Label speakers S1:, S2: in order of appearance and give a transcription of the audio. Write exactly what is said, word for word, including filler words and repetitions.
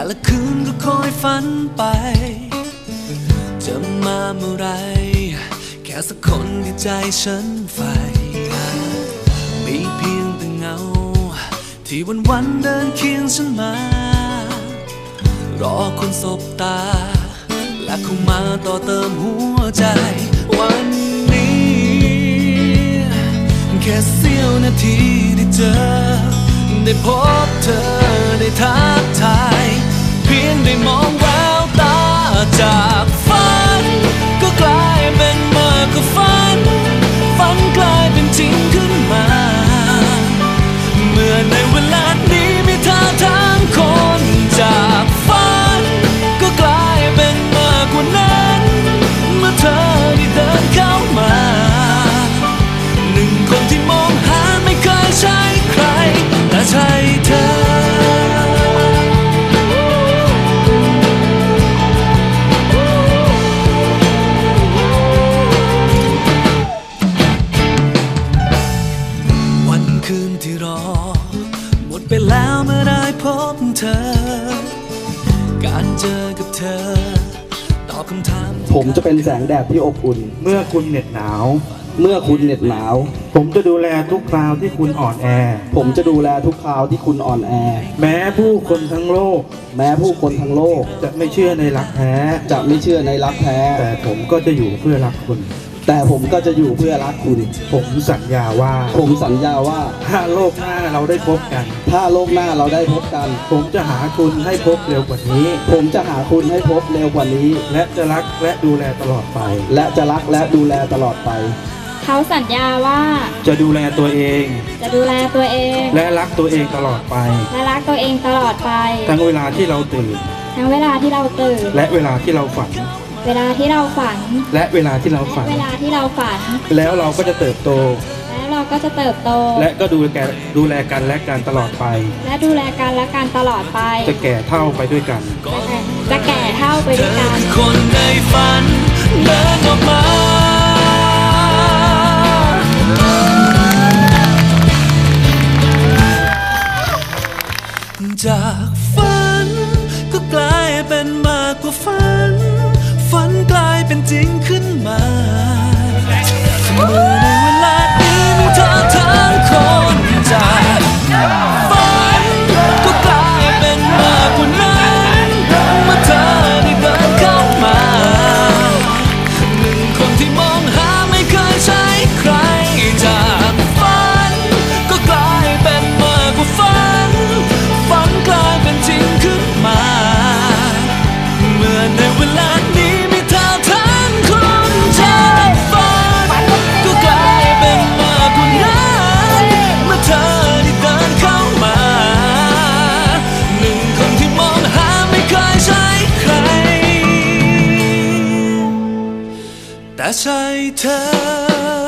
S1: ละคืนก็คอยฝันไปจะมาเมื่อไรแค่สักคนที่ใจฉันใฝ่มีเพียงแต่เงาที่วันวันเดินเคียงฉันมารอคนสบตาและเข้ามาต่อเติมหัวใจวันนี้แค่เสี้ยวนาทีได้เจอได้พบเธอได้ทักทายเพียงได้มองแววตาจากฝันก็กลายเป็นมากกว่าฝันฝันกลายเป็นจริงขึ้นมาเมื่อในเวลานี้มีท่าทางคนจากฝันก็กลายเป็นมากกว่านั้นเมื่อเธอได้เดินเข้ามาหนึ่งคนที่มองหาไม่เคยใช่ใครแต่ใช่เธอวันคืนที่รอหมดไปแล้วเมื่อได้พบเธอการเจอกับเธอตอบคำถาม
S2: ผมจะเป็นแสงแดดที่อบอุ่น
S3: เมื่อคุณเหน็ดหนาว
S2: เมื่อคุณเหน็ดหนาว
S3: ผมจะดูแลทุกคราวที่คุณอ่อนแอ
S2: ผมจะดูแลทุกคราวที่คุณอ่อนแอ
S3: แม้ผู้คนทั้งโลก
S2: แม้ผู้คนทั้งโลก
S3: จะไม่เชื่อในรักแท้
S2: จะไม่เชื่อในรักแท้
S3: แต่ผมก็จะอยู่เพื่อรักคุณ
S2: แต่ผมก็จะอยู่เพื่อรักคุณ
S3: ผมสัญญาว่า
S2: ผมสัญญาว่า
S3: ถ้าโลกหน้าเราได้พบกัน
S2: ถ้าโลกหน้าเราได้พบกัน
S3: ผมจะหาคุณให้พบเร็วกว่านี้
S2: ผมจะหาคุณให้พบเร็วกว่านี้
S3: และจะรักและดูแลตลอดไป
S2: และจะรักและดูแลตลอดไป
S4: เขาสัญญาว่า
S3: จะดูแลตัวเอง
S4: จะดูแลตัวเอง
S3: และรักตัวเองตลอดไป
S4: และรักตัวเองตลอดไป
S3: ทั้งเวลาที่เราตื่น
S4: ทั้งเวลาที่เราตื่น
S3: และเวลาที่เราฝัน
S4: เวลาที่เราฝัน
S3: และเวลาที่เราฝัน
S4: เวลาที่เราฝัน
S3: แล้วเราก็จะเติบโต
S4: แล้วเราก็จะเติบโต
S3: และก็ดูแลดูแลกันและกันตลอดไป
S4: และดูแลกันและกันตลอดไป
S3: จะแก่เท่าไปด้วยกัน
S4: จะแก่เท่าไปด้วยกัน
S1: คนในฝันเดินออกมาจากฝันก็กลายเป็นมากกว่าฝันฝันกลายเป็นจริงขึ้นมาเมื่อในเวลานี้มีเธอทั้งคนจากฝันก็กลายเป็นมากกว่านั้นเมื่อเธอได้เดินเข้ามาหนึ่งคนที่มองหาไม่เคยใช่ใครจากฝันก็กลายเป็นมากกว่าฝันฝันกลายเป็นจริงขึ้นมาเมื่อในเวลานี้มีเธอทั้งคนจากฝันก็กลายเป็นมากกว่านั้นเมื่อเธอได้เดินเข้ามาหนึ่งคนที่มองหาไม่เคยใช่ใครแต่ใช่เธอ